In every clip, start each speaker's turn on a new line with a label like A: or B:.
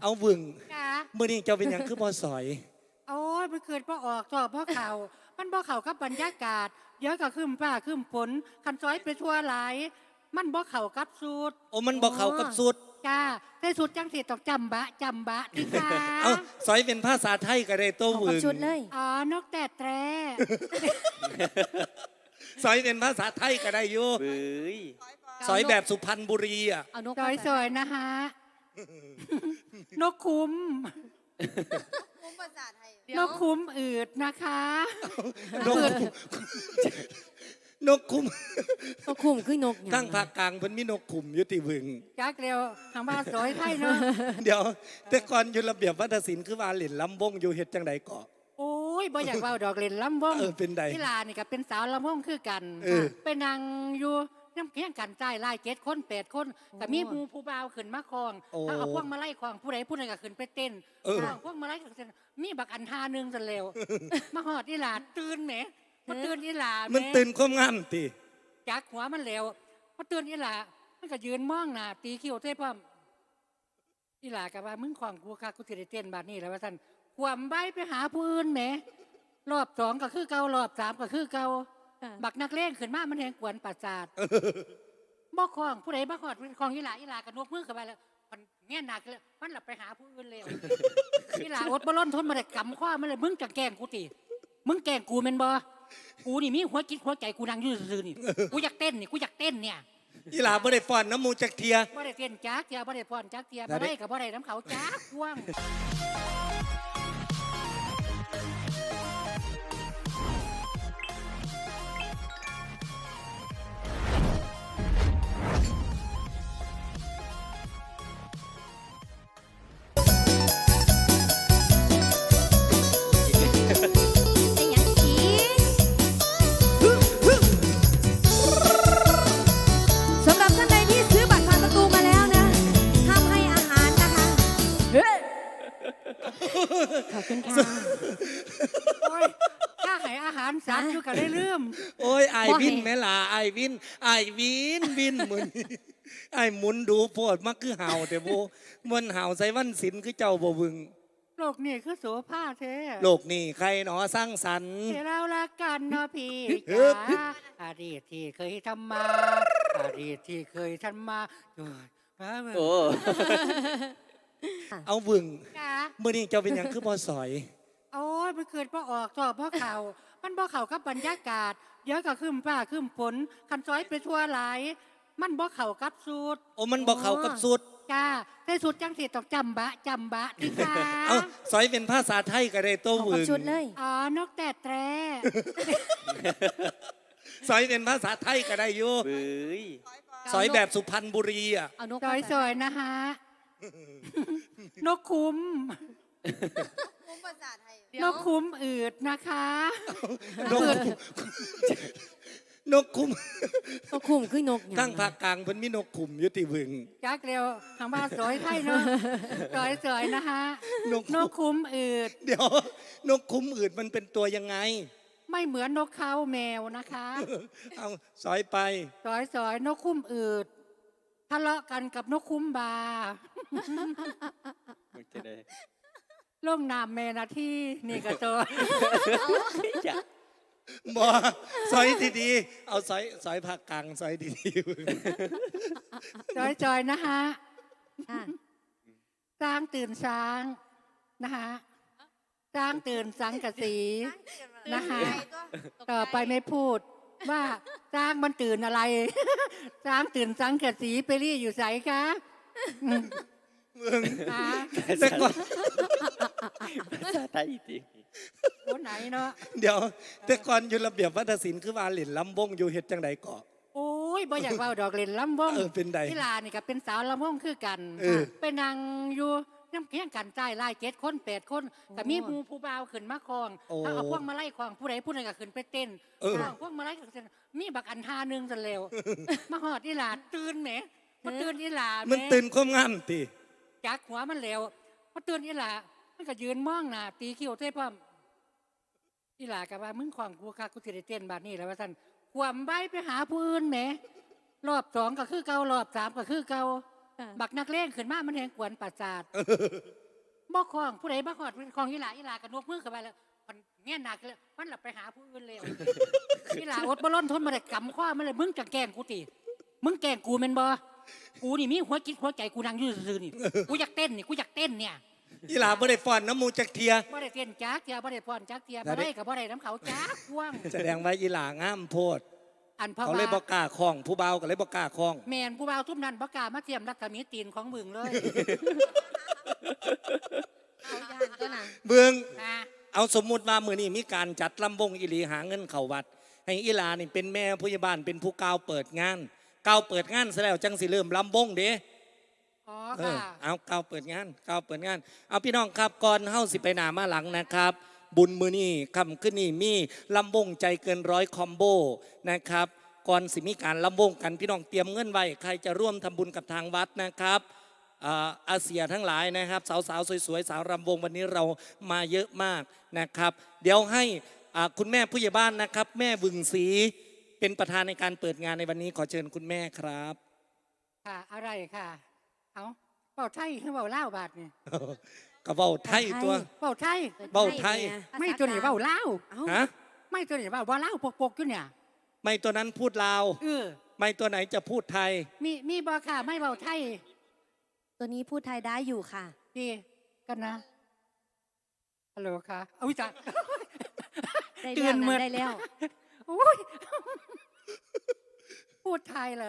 A: เอาวึง
B: จ้า
A: มื้อนี้เจ้าเป็นหยังคือบ่สอย
B: โอ้ยมันเกิดพ่อออกจอบพ่อเข่ามันบ่เข่ากับบรรยากาศเดี๋ยวก็ขึ้นฟ้าขึ้นฝนคันซอยไปทั่วหลายมันบ่เข่ากับสูตร
A: โอ้มันบ่เข้ากับสุด
B: จ้าแต่สูตรจังสิต้องจำบะที่ค่ะ
A: เอาสอยเป็นภาษาไทยก็ได้ตัววึง
C: ชุดเลย
B: อ๋อนกแต่แตร
A: สอยเป็นภาษาไทยก็ได้อยู่
D: เบ้ย
A: สอยแบบสุพรรณบุรีอ่ะ
C: เอานก
B: สวยๆนะฮะนกคุ้ม
E: ภาษาไทย
B: นกคุ้มอืดนะคะ
A: นกนกคุ้ม
C: นกคุ้มคือนก
A: ทั้งภาคกลางเพิ่นมีนกคุ้มอยู่ที่วึง
B: จักเร็วทางบ้านสวยไทยเนาะ
A: เดี๋ยวแต่ก่อนอยู่ระเบียบวัฒนศิลป์คือว่าเล่นลำวงอยู่เฮ็ดจังได๋ก็
B: โอ้ยบ่อยากเว้าดอกเล่นลำวง
A: เป็นใด
B: ที่ลานี่ก็เป็นสาวลำวงคือกันไปนั่งอยู่น้ำเคียงกันใจไล่7 คน8 คนก็มีผู้บ่าวขึ้นมาคลองถ้าเอาพวกมาไล่คลองผู้ใดก็ขึ้นไปเต้นพวกมาไล่ก็เต้นมีบักอันท่านึงซะแล้วมาฮอดอีหลาตื่นแหมมาตื่นอีหลา
A: มันตื่นความงามติ
B: จักหัวมันแล้วมาตื่นอีหลามันก็ยืนมองหน้าตีคิ้วเท่พร้อมอีหลาก็ว่ามึงของกูค่ะกูสิได้เต้นบัดนี้แล้วว่าซั่นความใบไปหาผู้อื่นแหมรอบ2ก็คือเก่ารอบ3ก็คือเก่าบักนักเลงขึ้นมามันแหงกวนประสาทบ่คล้องผู้ใดบ่คอดของอีหลาก็นกมือเข้าไปแล้วมันแง่หนักเลยมันหลับไปหาผู้อื่นแล้วอีหลาอดบ่ล้นทนมาได้กำข้อมันเลยมึงจะแกล้งกูติมึงแกล้งกูแม่นบ่กูนี่มีหัวจิตหัวใจกูนั่งอยู่ซื่อๆนี่กูอยากเต้นเนี่ย
A: อีหลาบ่ได้ฟ้อนน้ำมูจักเทีย
B: บ่ได้เต้นจักเทียบ่ได้ฟ้อนจักเทียบ่ได้ก็บ่ได้น้ำเขาจักพ่วง
C: สำหรับท่านใดที่ซื้อบัตรผ่านประตูมาแล้วนะห้ามให้อาหารนะคะขอบคุณค่ะ
B: โอ้ยถ้าให้อาหารสัตว์อยู่ก็ได้ลืม
A: โอ้ยไอวินแม่ล่ะไอวินวินมื้อนี้ไอหมุนดูโพดมักคือเห่าแต่บ่มันเห่าใส่วันศิลป์คือเจ้าบ่วึง
B: โลกนี่คือโสภาแท้
A: โลกนี่ใครหนอสร้างสรรค์
B: เรารักกันเนาะพี่จ๋าอดีตที่เคยทำมา
D: โอ้
A: เอาวึงมื้อนี้เจ้าเป็นหยังคือบ่สอย
B: โอ้ยมันเกิดพ่อออกจอบพ่อเข่ามันบ่เข่ากับบรรยากาศเดี๋ยวก็ขึ้นฟ้าขึ้นฝนคันซอยไปทั่วหลายมันบ่เข่ากับสูตร
A: โอ้มันบ่เข้ากับสุด
B: จ้าแต่สูตรจังสิต้องจำบะที่ค่ะ
A: เอาสอยเป็นภาษาไทยก็ได้ตัววึง
C: ชุดเลย
B: อ๋อนกแต่แตร
A: สอยเป็นภาษาไทยก็ได้อยู่
D: เบ้ย
A: สอยแบบสุพรรณบุรีอ่ะ
C: เอานก
B: สวยๆนะฮะนกคุ้ม
E: ภาษาไทย
B: นกคุ้มอืดนะคะ
A: นกคุ้ม
C: นกคุ้มคือนก
A: ทั้งภาคกลางเพิ่นมีนกคุ้มอยู่ที่วึง
B: จักเร็วทางบ้านสวยไทยเนาะสวยๆนะฮะนกคุ้มอืด
A: เดี๋ยวนกคุ้มอืดมันเป็นตัวยังไง
B: ไม่เหมือนนกเขาแมวนะคะ
A: เอาสอยไป
B: สอยนกคุ้มอืดทะเลาะกันกับนกคุ้มบาล่องน้ำแม่นาที่นี่ก็ตัว
A: บ่สอยดีๆเอาสอยภาคกลางสอยดี
B: ๆจอยนะฮะสร้างตื่นช้างนะคะสร้างตื่นสังกะสีนะคะต่อไปไม่พูดว่าสร้างมันตื่นอะไรสร้างตื่นสังกะสีไปรี่อยู่ใสคะ
A: แต่ก่อน
D: ภาษาไทยจริง
B: คนไหนเนาะ
A: เดี๋ยวแต่ก่อนอยู่ระเบียบวัฒนศิลป์คือว่าเล่นลำวงอยู่เฮ็ดจังไดก็
B: โอ้ยบ่อยากเว้าดอกเล่นลำวง
A: เป็นใด
B: ที่ลานี่ก็เป็นสาวลำวงคือกันไปนั่งอยู่น้ำเคียงกันใจไล่7 คน8 คนก็มีผู้บ่าวขึ้นมาคลองถ้าเอาพวกมาไล่คลองผู้ใดก็ขึ้นไปเต้นพวกมาไล่ก็เต้นมีบักอันท่านึงซะแล้วมาฮอดอีหลาตื่นแหมมาตื่นอีหลา
A: มันตื่นความงามติ
B: จักหัวมันแล้วมาตื่นอีหลามันก็ยืนมองหน้าตีคิ้วเท่พร้อมอีหลาก็ว่ามึงของกูค่ะกูสิได้เต้นบัดนี้แล้วว่าซั่นความใบไปหาผู้อื่นแหมรอบ2ก็คือเก่ารอบ3ก็คือเก่าบักนักเลงขึ้นมามันแหงกวนประสาทบ่คล้องผู้ใดบ่คล้องคล้องอีหลากันนกมือเข้าไปแล้วมันแง่หนักเลยมันหลับไปหาผู้อื่นเลยอีหลาอดบ่ล้นทนมาได้กำข้อมันเลยมึงจะแกล้งกูติมึงแกล้งกูแม่นบ่กูนี่มีหัวจิตหัวใจกูนั่งอยู่ซื่อๆนี่กูอยากเต้นนี่กูอยากเต้นเนี่ย
A: อีหลาบ่ได้ฟ้อนน้ำหมูจักเทีย
B: บ่ได้เต้นจักเทียบ่ได้พรจักเทียบ่ได้กับบ่ได้น้ำเขาจักพ่วง
A: แสดงว่าอีหลางามโพด
B: อันเพราะ
A: เขา
B: ว่า
A: เลยบ่กล้าคล้องผู้เบาก็เลยบ่กล้าคล้อง
B: แมนผู้บ่าวทุ่มนั้นบ่กล้ามาเทียมรักกะมีตีนของมึงเลย
C: เอาย่านก็นะ
A: เบิ่ง
B: นะ
A: เอาสมมุติว่ามื้อนี้มีการจัดลำวงอีหลีหาเงินเข้าวัด ให้อีหลานี่เป็นแม่ผู้ใหญ่บ้านเป็นผู้กล่าวเปิดงานกล่าวเปิดงานซะแล้วจังสิเริ่มลำวงเด้
B: อ๋อ
A: เอ
B: ค่ะ
A: อเอากล่าวเปิดงานกล่าวเปิดงาน เอาพี่น้องครับก่อนเฮาสิไปหน้ามาหลังนะครับ บุญมื้อนี้ค่ำขึ้นนี่มีลำวงใจเกินร้อยคอมโบนะครับก่อนสิมีการลำวงกันพี่น้องเตรียมเงินไว้ใครจะร่วมทำบุญกับทางวัดนะครับอาเซียทั้งหลายนะครับสาวๆสวยๆสาวรำวงวันนี้เรามาเยอะมากนะครับ เดี๋ยวให้คุณแม่ผู้ใหญ่บ้านนะครับ แม่วึงศรีเป็นประธานในการเปิดงานในวันนี้ขอเชิญคุณแม่ครับ
B: ค่ะอะไรค่ะเอาเป่าไทยคือเป่าเล่าวบาดนี่
A: กระเบ้าไทยตัว
B: เป่าไทย
A: เว้าไทย
B: ไม่ตัวนี้เป่าเล่าว
C: เอ้า
A: ฮะ
B: ไม่ตัวนี้เป่าว่าเล่าวปกๆอยู่เนี่ย
A: ไม่ตัวนั้นพูดลาว
B: เออ
A: ไม่ตัวไหนจะพูดไทย
B: มีบ่ค่ะไม่เป่าไทย
C: ตัวนี้พูดไทยได้อยู่ค่ะ
B: ดีกันนะฮัลโหลค่ะเอาวิจาร
C: ได้
B: ตื่
C: เรื่อน ง
B: หม
C: นั้
B: ด
C: นได้แล้ว
B: โอ้ยพูดไทยเหรอ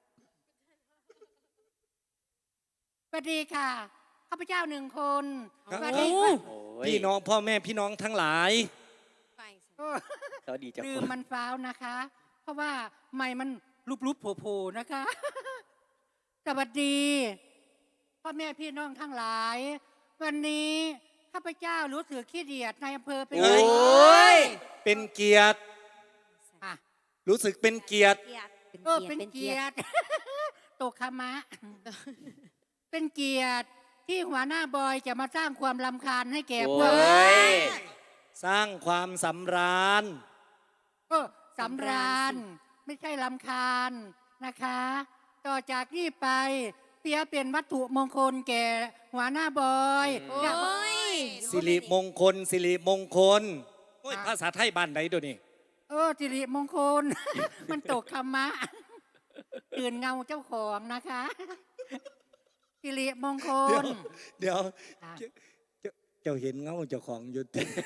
B: สวัสดีค่ะข้าพเจ้าหนึ่งคน
A: ครับ
B: สวัสดี
D: โอ้ย
A: พี่น้องพ่อแม่พี่น้องทั้งหลาย
B: โอ้
D: สวัสดีจ้า
B: ลืมมันฟ้าวนะคะ เพราะว่าไม่มันรูปๆโผล่ๆนะคะ สวัสดีพ่อแม่พี่น้องทั้งหลาย วันนี้ข้าพเจ้ารู้สึกขี้เดียดในอำเภอเป็น
A: โอ้
B: ไง
A: ย เป็นเกียรติ
B: อ่ะ
A: รู้สึกเป็นเกียรติ
B: เป็นเกียรติ ตกขมะ เป็นเกียรติที่หัวหน้าบอยจะมาสร้างความรำคาญให้แก่พวก
D: โอ้ย
A: สร้างความสำราญ
B: สำราญไม่ใช่รำคาญนะคะ ต่อจากนี้ไปเปียเป็นวัตถุมงคลแก่หัวหน้าบอย
C: โอ้ย
A: สิริมงคล สิริมงคลโอ้ยภาษาไทยบ้านไหนตัวนี้
B: สิริมงคล มันตกคำมะตื่นเงาเจ้าของนะคะสิริมงคล
A: เดี๋ยว
B: อ่ะ
A: เจ้าเห็นเงาเจ้าของอยู่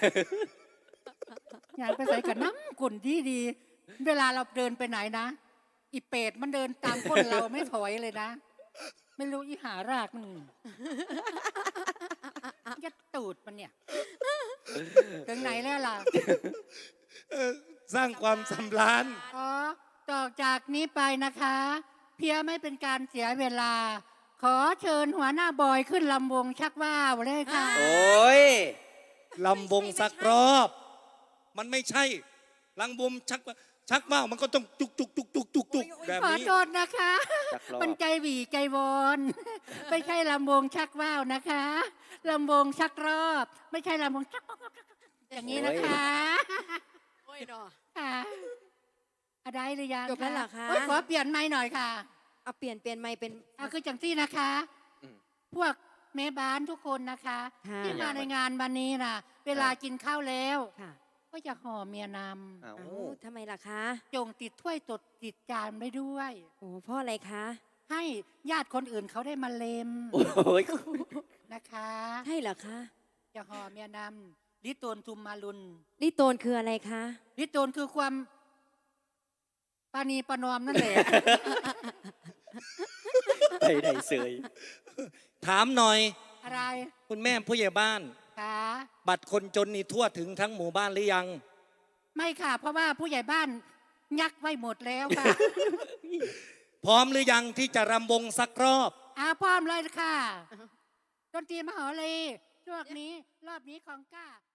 B: อยากไปใส่กับน้ำกุ่นดีเวลาเราเดินไปไหนนะอีเป็ดมันเดินตามก้นเราไม่ถอยเลยนะ ไม่รู้อีหารากมันยัดตูดมันเนี่ยถึงไหนแล้วล่ะ
A: สร้างความสำราญ
B: ต่อจากนี้ไปนะคะ เพียไม่เป็นการเสียเวลา ขอเชิญหัวหน้าบอยขึ้นลำวงชักว่าวเลยค่ะ
D: โอ้ย
A: ลำวงสักรอบ มันไม่ใช่ลำวงชักว่าวมันก็ต้องจุกแบบ
B: ขอ
A: นี้
B: โทษนะคะ
D: ชักรอบ
B: มันใจหวีใจวอน ไม่ใช่ลำวงชักว่าวนะคะลำวงชักรอบ ไม่ใช่ลำวงชักอย่างนี้นะคะ
C: โอ้ยดอ
B: ค่ะอะไรหรือยัง
C: จบแล้วเหรอคะ
B: โยขอเปลี่ยนไม้หน่อยค่ะ
C: เอาเปลี่ยนไมค์เป็น
B: เอาคือจังที่นะคะ
D: อืม
B: พวกแม่บ้านทุกคนนะคะ
C: ค่ะ
B: ที่มาในงานวันนี้นะเวลากินข้าวแล้ว
C: ค่ะ
B: ก็จะห่อเมียน
D: เอ้า
C: เอ้าทำไมล่ะคะ
B: ำจงติดถ้วยตดติดจานไปด้วย
C: โอ้เพ่ออะไรคะ
B: ให้ญาติคนอื่นเขาได้มาเลม
D: โอ้ย
B: นะคะ
C: ใช่เหรอคะ
B: จะห่อเมียนำลิโตนทุมมาลุน
C: ลิโตนคืออะไรคะ
B: ลิโตนคือความปานีประนอมนั่นแหละ
D: ไปไหนเสย
A: ถามหน่อย
B: อะไร
A: คุณแม่ผู้ใหญ่บ้าน
B: คะ
A: บัตรคนจนนี่ทั่วถึงทั้งหมู่บ้านหรือยัง
B: ไม่ค่ะ เพราะว่าผู้ใหญ่บ้านยักไว้หมดแล้วค่ะ
A: พร้อมหรือยังที่จะรำวงสักรอบ
B: พร้อมเลยค่ะดนตรีมหาเลยช่วงนี้รอบนี้ของก้า